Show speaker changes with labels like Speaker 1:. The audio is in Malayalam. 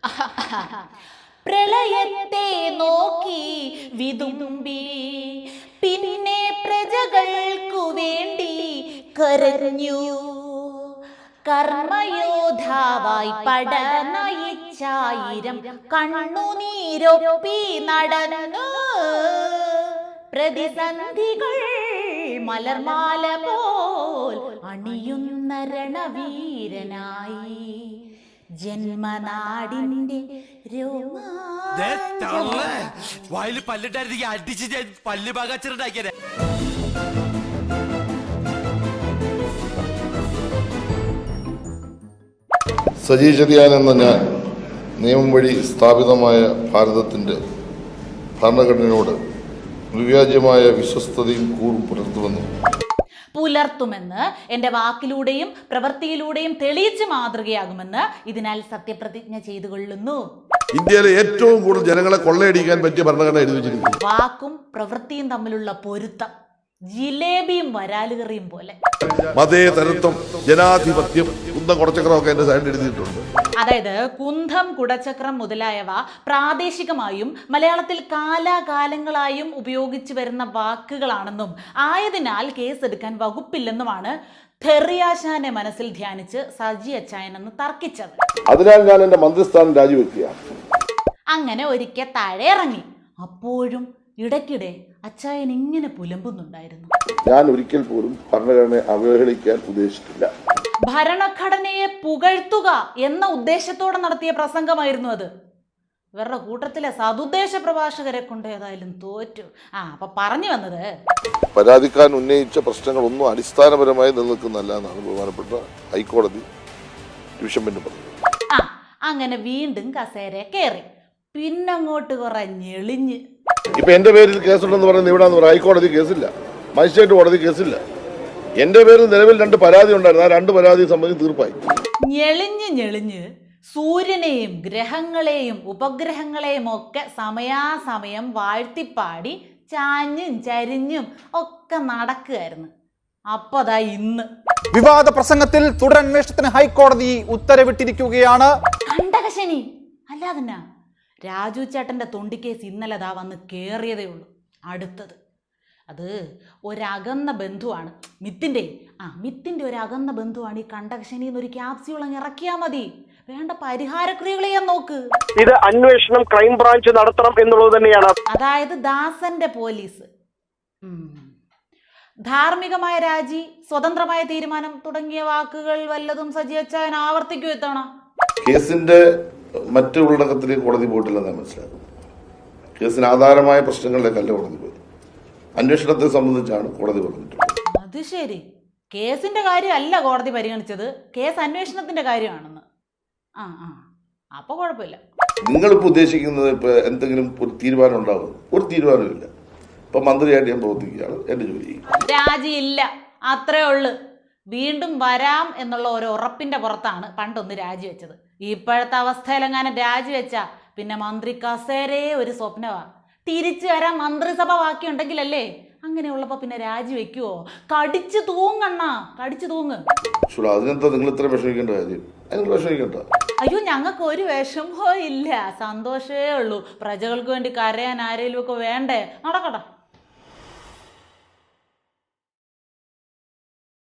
Speaker 1: പ്രളയത്തെ നോക്കി വിതുമ്പി പിന്നെ പ്രജകൾക്കു വേണ്ടി കരഞ്ഞു. കർമ്മയോദ്ധാവായി പട നയിച്ചായിരം കണ്ണുനീരൊപ്പി നടന്നു. പ്രതിസന്ധികൾ മലർമാല പോൽ അണിയുന്ന രണവീരനായി ജന്മനാടിന്റെ
Speaker 2: വായിൽ പല്ലിട്ടായിരുന്നെങ്കിൽ അടിച്ച് പല്ല് പാകാച്ചിട്ടുണ്ടാക്കിയത്.
Speaker 3: സജി ചെറിയാൻ എന്ന ഞാൻ നിയമം വഴി സ്ഥാപിതമായ ഭാരതത്തിൻ്റെ ഭരണഘടനയോട് വിവ്യാജ്യമായ വിശ്വസ്തതയും കൂറും
Speaker 1: പുലർത്തുമെന്ന് എൻ്റെ വാക്കിലൂടെയും പ്രവൃത്തിയിലൂടെയും തെളിയിച്ച് മാതൃകയാകുമെന്ന് ഇതിനാൽ സത്യപ്രതിജ്ഞ ചെയ്തു കൊള്ളുന്നു.
Speaker 3: ഇന്ത്യയിലെ ഏറ്റവും കൂടുതൽ ജനങ്ങളെ കൊള്ളയടിക്കാൻ പറ്റിയ ഭരണഘടന എഴുതി വെച്ചിരിക്കുന്നു.
Speaker 1: വാക്കും പ്രവൃത്തിയും തമ്മിലുള്ള പൊരുത്തം ജിലേബിയും വരാലുകറിയും പോലെ.
Speaker 3: മതേതരത്വം, ജനാധിപത്യം, കുന്തം കുടച്ചക്രമൊക്കെ എന്റെ സൈഡിൽ എഴുതിയിട്ടുണ്ട്.
Speaker 1: അതായത് കുന്തം, കുടച്ചക്രം മുതലായവ പ്രാദേശികമായും മലയാളത്തിൽ കാലാകാലങ്ങളായും ഉപയോഗിച്ചു വരുന്ന വാക്കുകളാണെന്നും ആയതിനാൽ കേസെടുക്കാൻ വകുപ്പില്ലെന്നുമാണ് തെറിയാശാനെ മനസ്സിൽ ധ്യാനിച്ച് സജി അച്ചായൻ എന്ന് തർക്കിച്ചത്.
Speaker 3: അതിനാൽ ഞാൻ എന്റെ മന്ത്രിസ്ഥാനം രാജിവെക്കുകയാണ്.
Speaker 1: അങ്ങനെ ഒരിക്കൽ താഴെ ഇറങ്ങി. അപ്പോഴും ഇടയ്ക്കിടെ അച്ചായൻ ഇങ്ങനെ പുലമ്പുന്നുണ്ടായിരുന്നു.
Speaker 3: ഞാൻ ഒരിക്കൽ പോലും ഭരണഘടനയെ അവഹേളിക്കാൻ ഉദ്ദേശിച്ചിട്ടില്ല.
Speaker 1: ഭരണഘടനയെ പുകഴ്ത്തുക എന്ന ഉദ്ദേശത്തോടെ നടത്തിയ പ്രസംഗമായിരുന്നു അത്. ഇവരുടെ കൂട്ടത്തിലെ സതുദ്ദേശ പ്രഭാഷകരെ കൊണ്ട് ഏതായാലും തോറ്റു. അപ്പൊ പറഞ്ഞു വന്നത്,
Speaker 3: പരാതിക്കാരൻ ഉന്നയിച്ച പ്രശ്നങ്ങളൊന്നും അടിസ്ഥാനപരമായി നിലനിൽക്കുന്നല്ല എന്നാണ് ബഹുമാനപ്പെട്ട ഹൈക്കോടതി ഡിവിഷൻ ബെഞ്ച് പറഞ്ഞത്.
Speaker 1: അങ്ങനെ വീണ്ടും കസേര കയറി. പിന്നങ്ങോട്ട് കുറെ ഞെളിഞ്ഞ്.
Speaker 3: ഇപ്പൊ എന്റെ പേരിൽ കേസുണ്ടെന്ന് പറയുന്നത് ഇവിടെ ഹൈക്കോടതി കേസില്ല, മജിസ്ട്രേറ്റ് കോടതി കേസില്ല. എന്റെ പേരിൽ നിലവിൽ 2 പരാതി ഉണ്ടായിരുന്നു. ആ 2 പരാതി സംബന്ധിച്ച് തീർപ്പായി.
Speaker 1: ഞെളിഞ്ഞ് സൂര്യനെയും ഗ്രഹങ്ങളെയും ഉപഗ്രഹങ്ങളെയും ഒക്കെ സമയാസമയം വാഴ്ത്തിപ്പാടി ചാഞ്ഞും ചരിഞ്ഞും ഒക്കെ നടക്കുകയായിരുന്നു. അപ്പതാ ഇന്ന്
Speaker 4: വിവാദ പ്രസംഗത്തിൽ തുടരന്വേഷണത്തിന് ഹൈക്കോടതി ഉത്തരവിട്ടിരിക്കുകയാണ്.
Speaker 1: കണ്ടകശനി അല്ലാതെന്നാ. രാജു ചേട്ടന്റെ തൊണ്ടി കേസ് ഇന്നലെ വന്ന് കേറിയതേ ഉള്ളൂ. അടുത്തത് അത് ഒരകന്ന ബന്ധുവാണ്. മിത്തിന്റെ ഒരു അകന്ന ബന്ധുവാണ് ഈ കണ്ടകശനി എന്നൊരു ക്യാപ്സ്യൂൾ അങ്ങ് ഇറക്കിയാൽ മതി. വേണ്ട പരിഹാരക്രിയകൾ ചെയ്യാൻ നോക്ക്.
Speaker 5: ഇത് അന്വേഷണം ക്രൈംബ്രാഞ്ച് നടത്തണം എന്നുള്ളത് തന്നെയാണ്.
Speaker 1: അതായത് ദാസന്റെ പോലീസ്, ധാർമ്മികമായ രാജി, സ്വതന്ത്രമായ തീരുമാനം തുടങ്ങിയ വാക്കുകൾ വല്ലതും സജി അച്ചായൻ ആവർത്തിക്കൂ എത്തണ.
Speaker 3: കേസിന്റെ മറ്റു ഉള്ളടക്കത്തിലേക്ക് കോടതി പോയിട്ടില്ലെന്ന് മനസ്സിലാക്കും. കേസിന് ആധാരമായ പ്രശ്നങ്ങളിലേക്കല്ല കോടതി പോയി. അന്വേഷണത്തെ സംബന്ധിച്ചാണ് കോടതി പറഞ്ഞിട്ടുള്ളത്.
Speaker 1: അത് ശരി, കേസിന്റെ കാര്യമല്ല കോടതി പരിഗണിച്ചത്, കേസ് അന്വേഷണത്തിന്റെ കാര്യമാണെന്ന്. അപ്പൊ കുഴപ്പമില്ല.
Speaker 3: നിങ്ങളിപ്പോ ഉദ്ദേശിക്കുന്നത് ഇപ്പൊ എന്തെങ്കിലും ഒരു തീരുമാനം ഉണ്ടാവും? ഒരു തീരുമാനമില്ല. ഇപ്പൊ മന്ത്രിയായിട്ട് ഞാൻ പ്രവർത്തിക്കുകയാണ്. എന്റെ ജോലി
Speaker 1: രാജിയില്ല, അത്രേ ഉള്ളു. വീണ്ടും വരാം എന്നുള്ള ഒരു ഉറപ്പിന്റെ പുറത്താണ് പണ്ടൊന്ന് രാജിവെച്ചത്. ഇപ്പോഴത്തെ അവസ്ഥയിലെങ്ങാനും രാജിവെച്ചാ പിന്നെ മന്ത്രി കസേരയെ ഒരു സ്വപ്നമാ. തിരിച്ചു വരാൻ മന്ത്രിസഭ ബാക്കിയുണ്ടെങ്കിലല്ലേ. അങ്ങനെയുള്ളപ്പോ പിന്നെ രാജിവെക്കുവോ? കടിച്ചു തൂങ്ങ്.
Speaker 3: അതിനെന്താ നിങ്ങൾ ഇത്ര വിഷമിക്കേണ്ട കാര്യം? വിഷമിക്കണ്ട.
Speaker 1: അയ്യോ, ഞങ്ങൾക്ക് ഒരു വിഷമോ ഇല്ല, സന്തോഷമേ ഉള്ളൂ. പ്രജകൾക്ക് വേണ്ടി കരയാൻ ആരെങ്കിലും ഒക്കെ വേണ്ടേ? നടക്കട്ടെ.